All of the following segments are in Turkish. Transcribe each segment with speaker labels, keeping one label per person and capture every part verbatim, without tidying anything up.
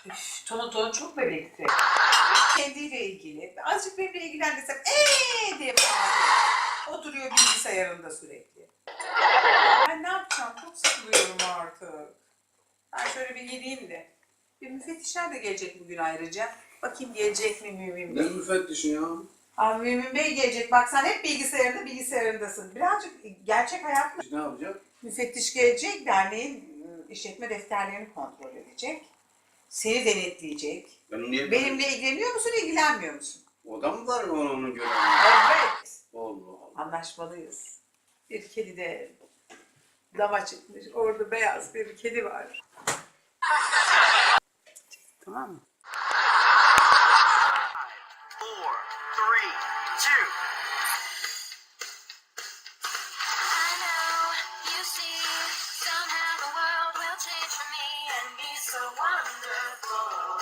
Speaker 1: Üf, Tonu Tonu çok bebekti. Kendiyle ilgili. Azıcık benimle ilgilen desem eee diye bağırıyor. Oturuyor bilgisayarında sürekli. Ben ne yapacağım? Çok sıkılıyorum artık. Ben şöyle bir gideyim de. Bir müfettişler de gelecek bugün ayrıca. Bakayım gelecek mi Mümin
Speaker 2: Ne
Speaker 1: Bey?
Speaker 2: müfettişin ya?
Speaker 1: Abi Mümin Bey gelecek. Bak sen hep bilgisayarında bilgisayarındasın. Birazcık gerçek hayatla.
Speaker 2: Ne yapacak?
Speaker 1: Müfettiş gelecek, derneğin ıı, işletme defterlerini kontrol edecek. Seni denetleyecek.
Speaker 2: Ben niye?
Speaker 1: Benimle ilgileniyor musun, ilgilenmiyor musun?
Speaker 2: O da mı var onun, onun görevi?
Speaker 1: Evet.
Speaker 2: Allah Allah.
Speaker 1: Anlaşmalıyız. Bir kedi de dama çıkmış. Orada beyaz bir kedi var. Tamam mı?
Speaker 3: Four, three, two.
Speaker 4: I know, you see, somehow the world will change for me and be so wonderful.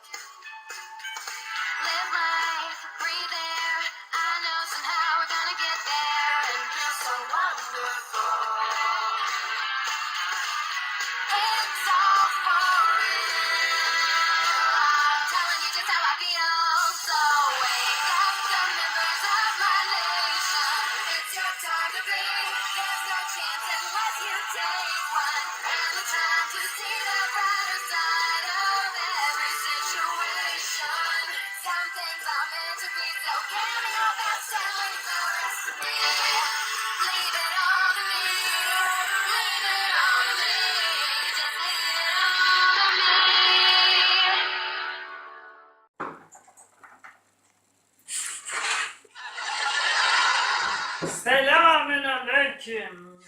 Speaker 4: Live life, breathe air, I know somehow we're gonna get there and be so wonderful. It's all for real, I'm telling you just how I feel, so wake up the members of my nation, it's your time to be, there's no chance unless you take one, and the time to see the brighter side of every situation. Some things are meant to be, so give me your best and leave the rest to me. Leave it all to me, leave it all to me, just leave it all to me.
Speaker 5: Selamün aleyküm.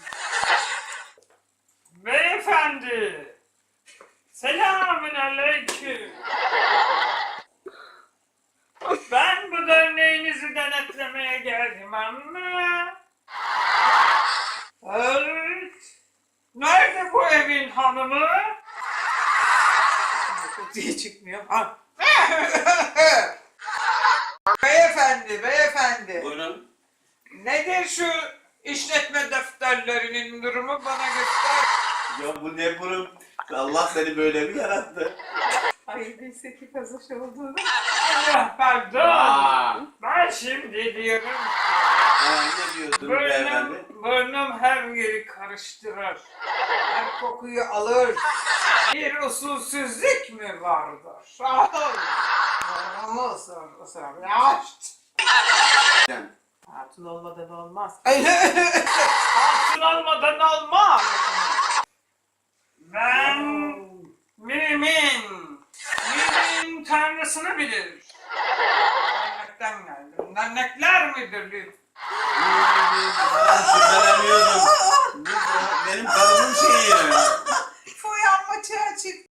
Speaker 5: Beyefendi. Selamün aleyküm. Ben bu derneğinizi denetlemeye geldim ama... Evet. Nerede bu evin hanımı?
Speaker 1: Çok diye çıkmıyor. Ha. Beyefendi, beyefendi.
Speaker 2: Buyurun.
Speaker 1: Nedir şu işletme defterlerinin durumu bana göster.
Speaker 2: Ya bu ne bunun? Allah seni böyle mi yarattı?
Speaker 1: Ay neyse ki kazış olduğunu.
Speaker 5: Allah pardon.
Speaker 2: Aa,
Speaker 5: Ben şimdi diyorum ki...
Speaker 2: ha, ne diyordun beyefendi?
Speaker 5: Burnum, burnum her yeri karıştırır.
Speaker 1: Her kokuyu alır.
Speaker 5: Bir usulsüzlük mü vardır?
Speaker 1: Ama ısrar, ısrar. Yaşt.
Speaker 2: Sen.
Speaker 1: Hatun olmadan olmaz.
Speaker 5: Altın olmadan olmaz. Ben mümin. Mümin tanrısını bilir. Dernekten geldim. Dernekler midir?
Speaker 2: Ben şüpheleniyordum. Bu benim karımın şeyi.
Speaker 1: Uyanma açık.